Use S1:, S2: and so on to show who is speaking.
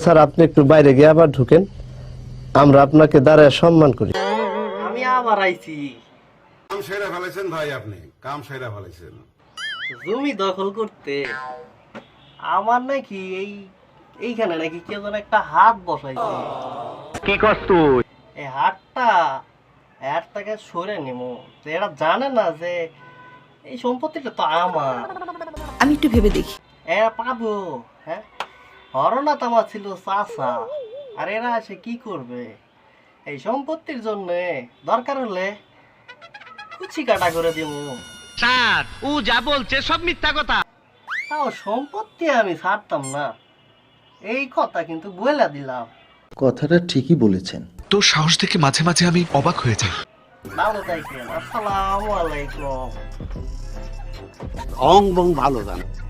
S1: Sir আপনি একটু বাইরে গিয়ে আবার ঢুকেন, আমরা আপনাকে দাঁড়ায় সম্মান করি।
S2: আমি আবার আইছি।
S3: কাম সেরা ফেলেছেন ভাই, আপনি কাম সেরা ফেলেছেন।
S2: জমি দখল করতে আমার নাকি এইখানে নাকি কেউ যেন একটা হাত বসাইছে।
S4: কি কস তুই?
S2: এই হাতটাকে সরে নিমু। তো এরা জানে না যে এই সম্পত্তিটা তো আমার।
S5: আমি একটু ভেবে দেখি।
S2: এরা পাবো, হ্যাঁ? হরনাথ আমার ছিল চাচা, আর এরা এসে কি করবে? এই সম্পত্তির জন্য দরকার হলে কুচি কাটা করে দিব।
S4: স্যার ও যা বলছে সব মিথ্যা কথা।
S2: তাও সম্পত্তি আমি ছাড়তাম না, এই কথা কিন্তু বলে দিলাম।
S6: কথাটা ঠিকই বলেছেন।
S7: তোর সাহস দেখে মাঝে মাঝে আমি অবাক হয়ে যাই।
S2: ভালো থাকেন, আসসালামু আলাইকুম।
S8: অং বং ভালো জানো।